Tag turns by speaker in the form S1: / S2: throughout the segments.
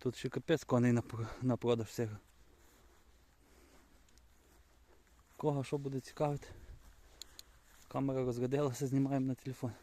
S1: Тут ще капець коней на продаж всіх. Кого що буде цікавити? Камера розрядилася, знімаємо на телефон.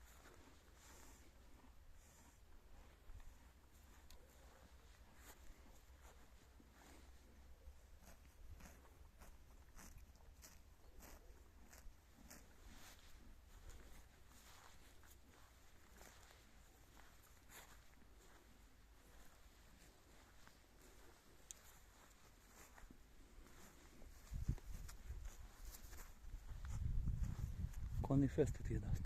S1: Конний фест тут є дасть.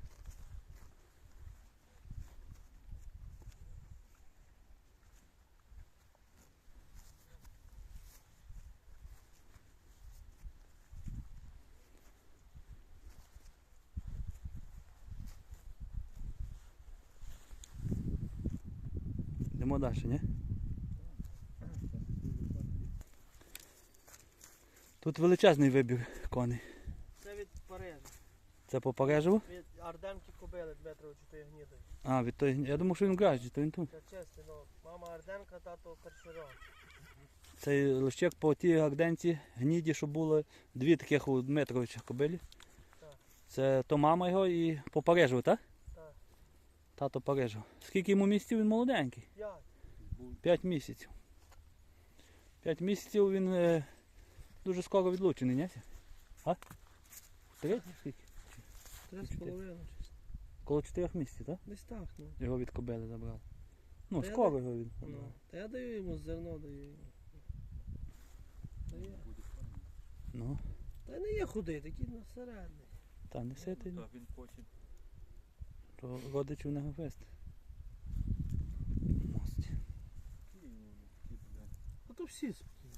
S1: Йдемо далі, ні? Тут величезний вибір коней.
S2: Це від Парижа.
S1: Це по Парижеву?
S2: Від Арденки кобили Дмитровичу тої гнідої.
S1: А, від той. Я думав, що він в Гражді, то він тут.
S2: Це чистий, ну, мама Арденка, тато Першерон.
S1: Цей лощек по тій гарденці гніді, що було дві таких у Дмитровича кобилі.
S2: Так.
S1: Це то мама його і по Парижеву, так?
S2: Так.
S1: Тато Парижев. Скільки йому місяців? Він молоденький.
S2: 5.
S1: 5 місяців. 5 місяців він дуже скоро відлучений, ні? А? 3? Скільки?
S2: 3,5.
S1: Коло 4 місяців, так?
S2: Десь так, ну.
S1: Його від кобили забрали. Ну,
S2: Та я
S1: скоро його від.
S2: Ну. Та я даю йому зерно, даю йому. Та є.
S1: Ну,
S2: Та не є худий, такий на середній.
S1: та не ситий.
S3: Так, він потім.
S1: То родичів не вести. Мості.
S2: А то всі спокійні.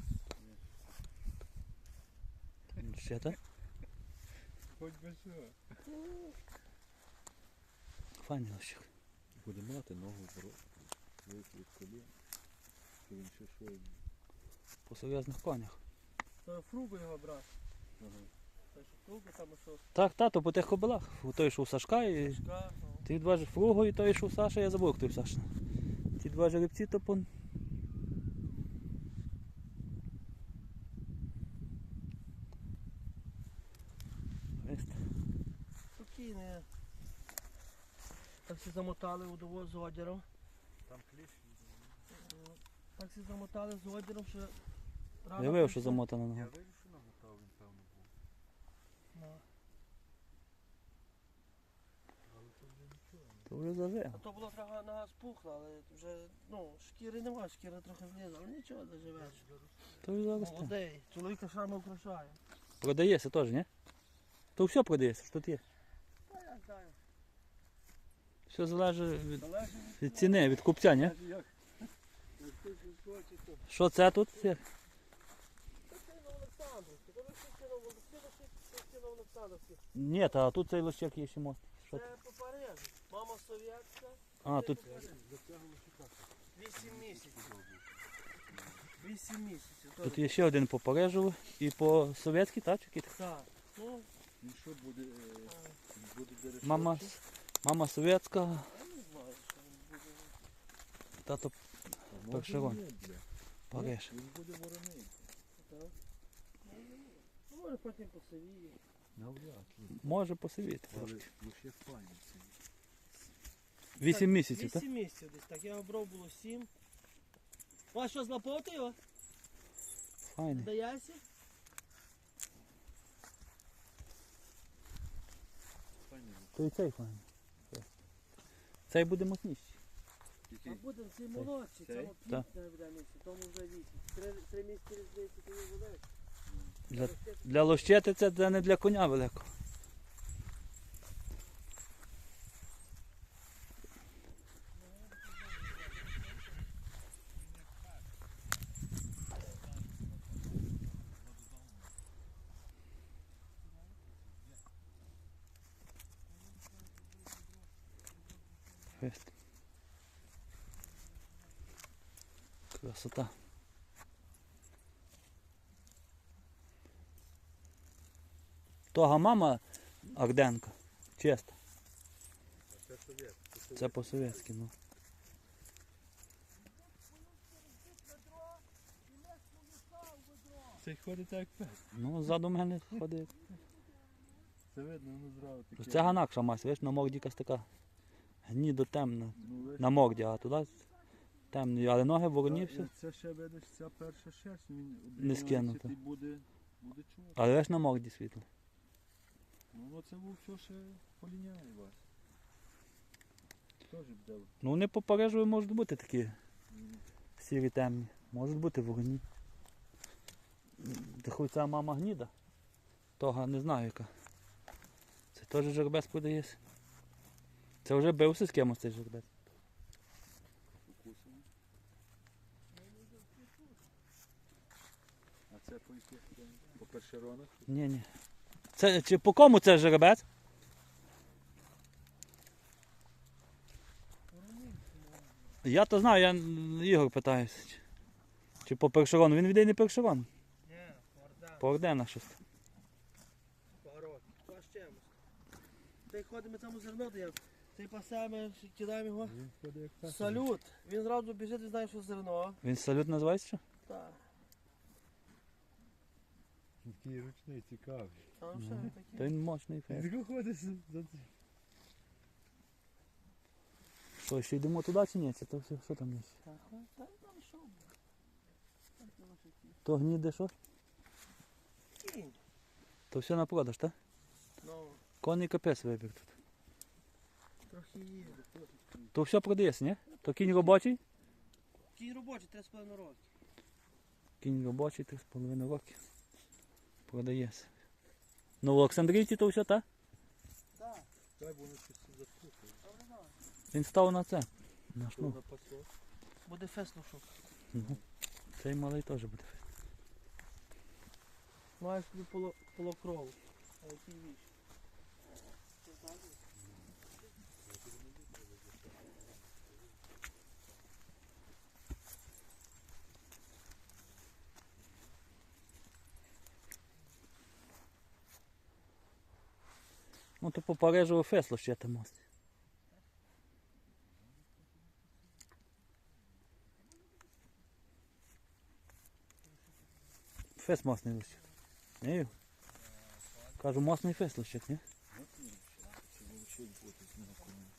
S1: Ще так?
S3: Хоч би що.
S1: Файний лощик.
S3: Буде мати ногу від колін. Що він ще що.
S1: По серйозних конях.
S2: То фругу його брат.
S3: Ага.
S2: Та що фругу там що
S1: Так, тато, по тих кобилах. Той, що у Сашка, і
S2: шка, ну.
S1: ті два ж фруго, і той, що у Саша, я забув, хто у Саша. Ті два жеребці, то пон.
S2: Спокійний. Так всі замотали у довоз з одіром.
S3: Там кліщ.
S2: Так всі замотали з одіром, що рано
S1: Я виявив, що
S2: прийшов.
S1: замотано
S3: Я
S1: нога.
S3: вирішив, що намотав, він певно був.
S2: Ну.
S3: Але то вже нічого.
S1: То вже зажив.
S2: А то було трохи нога спухла, але вже, ну, шкіри нема, шкіра трохи влізла, але нічого, заживеш.
S1: То вже зараз.
S2: Молодий, чоловіка шрами украшає.
S1: Продається теж, ні? То все продається, що тут є.
S2: Та я знаю.
S1: Все залежить від,
S2: Залежить
S1: від ціни, від купця, ні?
S3: Як ти хочеш, то.
S1: Що це тут? Є?
S2: Це на Олександрівській, то ви всі на Олександрівській.
S1: Ні, та тут цей лощик є ще мост. Що
S2: Це
S1: це?
S2: по Парижу. Мама совєтська.
S1: А,
S2: це
S1: тут
S2: по Парижу.
S3: Затягував шукати.
S2: 8 місяців. 8 місяців.
S1: тут є ще один по Парижеву і по совєтській, так? Чи який?
S2: Так. Ну,
S3: Він що буде, буде дерев'яний?
S1: Мама совєтська,
S2: я не знаю, що він буде.
S1: тато
S3: А може
S1: Першерон.
S3: ні, бля.
S1: Париж.
S3: Він буде вороний.
S2: Так. Ну, може потім посивіє.
S3: Навряд ли.
S1: Може посивіти.
S3: Але
S1: трошки.
S3: лише файно це.
S1: 8 місяців, так?
S2: 8 місяців десь, так. Я обрав було 7. А що, злапав ти його?
S1: Файний.
S2: Даєшся?
S3: Файно.
S1: То і цей файний. Цей буде мощніший.
S2: А
S3: Який?
S2: буде цей молодший,
S3: Цей?
S2: цьому
S1: Так.
S2: 5 буде місяць, тому вже 8. 3 місяці різниці, то не буде.
S1: Для лощети це не для коня великого. Фест. Красота. Того мама Арденка. Чесно.
S3: Це совєт.
S1: Це по-совєтськи, ну.
S3: Цей ходить так як пес.
S1: Ну, ззаду мене ходить.
S3: Це видно, ну зразу таке.
S1: Це ганакша мась, видиш, на морді якась така гнідо темна.
S3: Ну, лиш-
S1: На морді, а туди темний. Але ноги вороні
S3: Та,
S1: все.
S3: Це ще видиш, ця перша шерсть, він
S1: Не скинута.
S3: і буде чого.
S1: Але видиш на морді світло.
S3: Ну це був все ще поліняє вас. Теж буде.
S1: Ну вони по Парижу можуть бути такі сірі темні. Можуть бути вороні. Та хоч ця мама гніда. Того не знаю яка. Це теж жеребець продається. Це вже бився з кимось цей жеребець.
S3: Укусаний. А це по яких? По першеронах?
S1: Ні. Це, чи по кому це жеребець? Я то знаю, я Ігор питаюся. Чи по першерону. Він віде не першерон.
S2: Ні, орда,
S1: По ордена щось.
S2: парок. Що з чимось? Ти ходимо там у зерно даємо. Ти пасемо, кидаємо його.
S3: Він ходить як пес.
S2: Салют. Він зразу біжить і знає, що зерно.
S1: Він салют називається що?
S2: Так.
S3: Такий ручний, цікавий.
S2: Там все
S1: Та
S2: таке.
S1: він мощний фейс.
S3: Він ходить за цим.
S1: Що, ще йдемо туди чи ні? Це то все, що там є?
S2: Так, там що? Так, це ваші кінь.
S1: То гніде що?
S2: Кінь.
S1: То все на продаж, так?
S2: Ну,
S1: Конний капець вибір тут.
S2: трохи є.
S1: То все продається, ні? То кінь робочий?
S2: Кінь робочий, 3,5 роки.
S1: Кінь робочий, 3,5 роки. Продається. Ну в Олександрійці то все, так?
S2: Так,
S3: Так, воно щось запухає.
S2: добре знаю.
S1: Він став на це. На
S3: Що
S1: шнур.
S3: на пасок?
S2: Буде феслушок.
S1: Мгм. Цей малий теж буде.
S2: Маєш тобі полокрову. А який віч? Ти знаєш?
S1: Ну то по Парижу фесло ще там мост. Фес мосний лише. Ні? Кажу, мосний фес лише, ні?
S3: Чи вовчить бути з нього коні?